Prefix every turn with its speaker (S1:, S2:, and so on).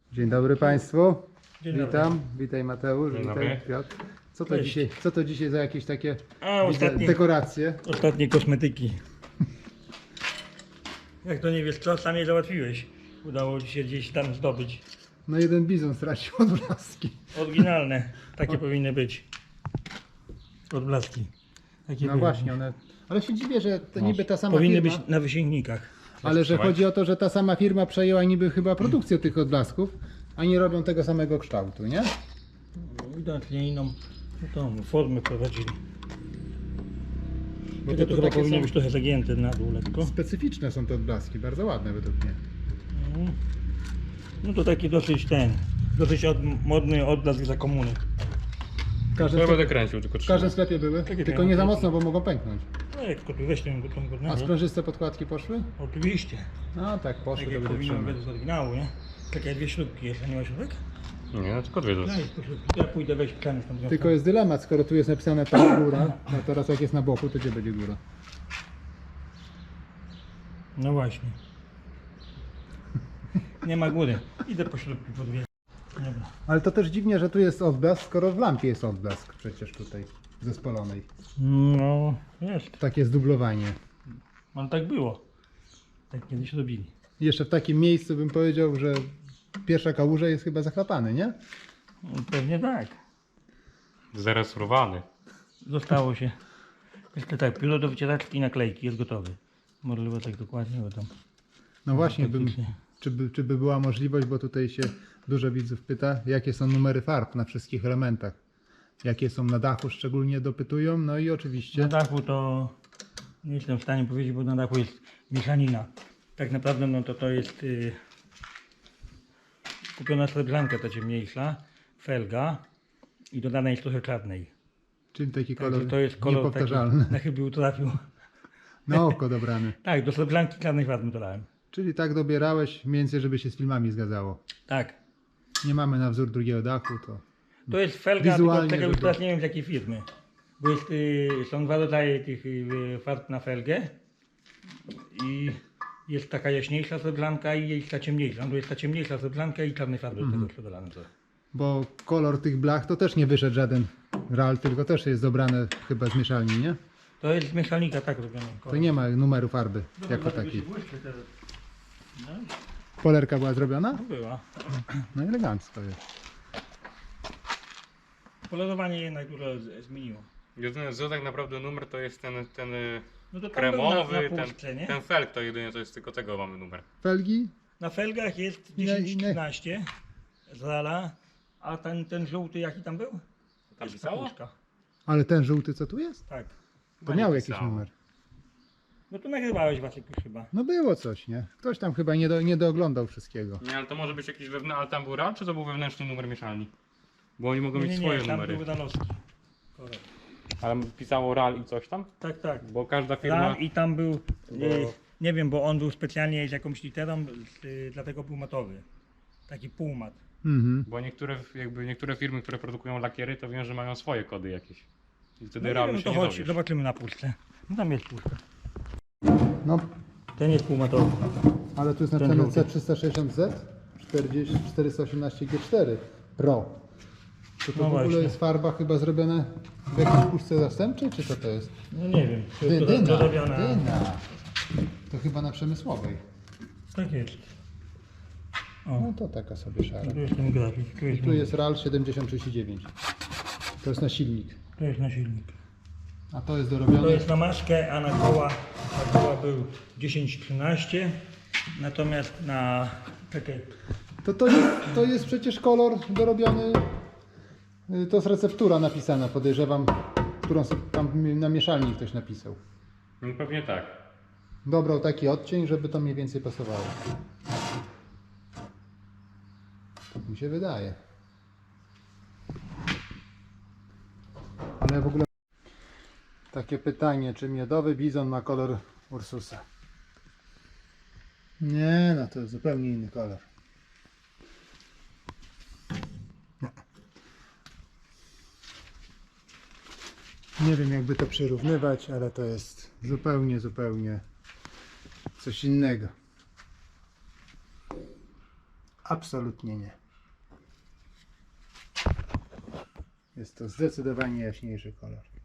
S1: Dzień dobry Państwu.
S2: Dzień dobry.
S1: Witam. Witaj Mateusz,
S3: Dzień
S1: witaj
S3: dobry.
S1: Piotr.
S2: Cześć.
S1: Co to dzisiaj za jakieś takie
S2: ostatnie-
S1: widzę, dekoracje?
S2: Ostatnie kosmetyki. Jak to nie wiesz co, sam je załatwiłeś. Udało ci się gdzieś tam zdobyć.
S1: No jeden bizon stracił odblaski.
S2: Oryginalne. Takie powinny być. Odblaski. Takie
S1: No
S2: były.
S1: właśnie, one... Ale się dziwię, że to niby ta sama
S2: Powinny
S1: firma,
S2: być na wysięgnikach.
S1: ale że
S3: Trzymaj.
S1: chodzi o to, że ta sama firma przejęła niby chyba produkcję tych odblasków, a nie robią tego samego kształtu, nie?
S2: Widocznie inną tą formę prowadzili.
S1: Bo
S2: Tylko to chyba
S1: takie
S2: powinno
S1: są
S2: być trochę zagięte na dół lekko.
S1: specyficzne są te odblaski, bardzo ładne według mnie.
S2: No to taki dosyć modny odblask za komuny.
S1: W każdym,
S3: Ja
S1: sklepie,
S3: będę kręcił, tylko
S1: w każdym
S3: trzymaj.
S1: sklepie były,
S2: Takie
S1: tylko nie za
S2: pieniądze.
S1: mocno, bo mogą pęknąć.
S2: No jak to tu weź tą
S1: A
S2: godnego.
S1: sprężyste podkładki poszły?
S2: Oczywiście.
S1: No tak, poszły,
S2: Tak
S1: to
S2: jak
S1: będzie
S2: powinno
S1: trzymać.
S2: być z oryginału, nie? Takie dwie śrubki jest, a nie ma śrubek?
S3: Nie, no tylko dwie
S2: No
S3: rzeczy.
S2: jest po śrubki. Ja pójdę weź tkany stąd.
S1: Tylko jest dylemat, skoro tu jest napisane ta góra, no teraz jak jest na boku, to gdzie będzie góra?
S2: No właśnie. Nie ma góry. Idę po śrubki po dwie. Dobra.
S1: Ale to też dziwnie, że tu jest odblask, skoro w lampie jest odblask przecież tutaj zespolonej.
S2: No, jest.
S1: Takie zdublowanie.
S2: Ale tak było. Tak kiedyś robili.
S1: I jeszcze w takim miejscu bym powiedział, że pierwsza kałuża jest chyba zachlapany, nie?
S2: No, pewnie tak.
S3: Zaresurowany.
S2: Zostało się. Jeszcze tak, pilot do wycieraczki i naklejki jest gotowy. Możliwe tak dokładnie, bo tam.
S1: No właśnie,
S2: faktycznie.
S1: czy by była możliwość, bo tutaj się dużo widzów pyta, jakie są numery farb na wszystkich elementach. Jakie są na dachu, szczególnie dopytują, no i oczywiście...
S2: Na dachu to nie jestem w stanie powiedzieć, bo na dachu jest mieszanina. Tak naprawdę no to jest kupiona srebrzanka ta ciemniejsza, felga i dodana jest trochę czarnej.
S1: Czyli taki
S2: Także
S1: kolor
S2: to jest kolor
S1: niepowtarzalny.
S2: taki, na chybił trafił.
S1: Na oko dobrany.
S2: Tak, do srebrzanki czarnej farby dodałem.
S1: Czyli tak dobierałeś mniej więcej, żeby się z filmami zgadzało.
S2: Tak.
S1: Nie mamy na wzór drugiego dachu, to...
S2: To jest felga,
S1: Wizualnie,
S2: tylko tego już
S1: żeby-
S2: teraz nie wiem z jakiej firmy. Bo jest, są dwa rodzaje tych farb na felgę. I jest taka jaśniejsza srebrzanka i jest ta ciemniejsza. No to jest ta ciemniejsza srebrzanka i czarnej farby do tego dodane.
S1: Bo kolor tych blach to też nie wyszedł żaden RAL, tylko też jest dobrane chyba z mieszalni, nie?
S2: To jest z mieszalnika tak robione.
S1: To nie ma numeru farby jako takiej. Polerka była zrobiona?
S2: Była.
S1: No elegancko jest.
S2: Polerowanie jednak dużo zmieniło.
S3: Jedyny co tak naprawdę numer to jest ten
S2: No to tam
S3: kremowy,
S2: był na puszce, nie?
S3: ten felg to jedynie to jest tylko tego mamy numer.
S1: Felgi?
S2: Na felgach jest
S1: Ile-
S2: 10-13 z Rala, a ten żółty jaki tam był?
S3: Tam
S2: Jest
S3: pisało?
S2: puszka.
S1: Ale ten żółty co tu jest?
S2: Tak.
S1: To
S3: nie
S1: miał jakiś
S3: pisało.
S1: numer.
S2: No to nagrywałeś Wacek już chyba.
S1: No było coś, nie? Ktoś tam chyba nie dooglądał wszystkiego.
S3: Nie, ale to może być jakiś wewnętrzny, ale tam był RAL, czy to był wewnętrzny numer mieszalni? Bo oni mogą
S2: Nie,
S3: mieć
S2: nie,
S3: swoje
S2: nie, tam
S3: numery.
S2: były Ralowski. Korekt.
S3: Ale pisało RAL i coś tam?
S2: Tak, tak.
S3: Bo każda firma...
S2: Ral i tam był,
S3: Bo-
S2: nie wiem, bo on był specjalnie z jakąś literą, dlatego był matowy. Taki półmat.
S1: Mhm.
S3: Bo niektóre firmy, które produkują lakiery, to wiem, że mają swoje kody jakieś. I wtedy
S2: No,
S3: RAL
S2: nie
S3: się
S2: wiem,
S3: nie
S2: to chodź,
S3: dowiesz.
S2: zobaczymy na puszce. No tam jest puszka.
S1: No,
S2: Ten jest półmatowy.
S1: ale tu jest
S2: Ten
S1: napisane
S2: żółty.
S1: C360Z 418G4 Pro. To
S2: No
S1: w ogóle
S2: właśnie.
S1: jest farba chyba zrobiona w jakiejś puszce zastępczej, czy co to jest?
S2: No nie wiem, to jest
S1: Dyna,
S2: dorobiona.
S1: dyna. To chyba na przemysłowej.
S2: Tak jest.
S1: No
S2: O,
S1: to taka sobie szara.
S2: tu jest ten grafik, tu jest,
S1: Tu jest RAL 7039. To jest na silnik.
S2: to jest na silnik.
S1: A to jest
S2: To
S1: dorobione.
S2: jest na maskę, a na koła był 10-13. Natomiast na... Czekaj.
S1: To jest przecież kolor dorobiony. To jest receptura napisana, podejrzewam, którą sobie tam na mieszalni ktoś napisał.
S3: No pewnie tak.
S1: Dobrał taki odcień, żeby to mniej więcej pasowało. Tak mi się wydaje. Ale w ogóle takie pytanie, czy miodowy bizon ma kolor Ursusa? Nie, no to jest zupełnie inny kolor. Nie wiem jakby to przyrównywać, ale to jest zupełnie coś innego. Absolutnie nie. Jest to zdecydowanie jaśniejszy kolor.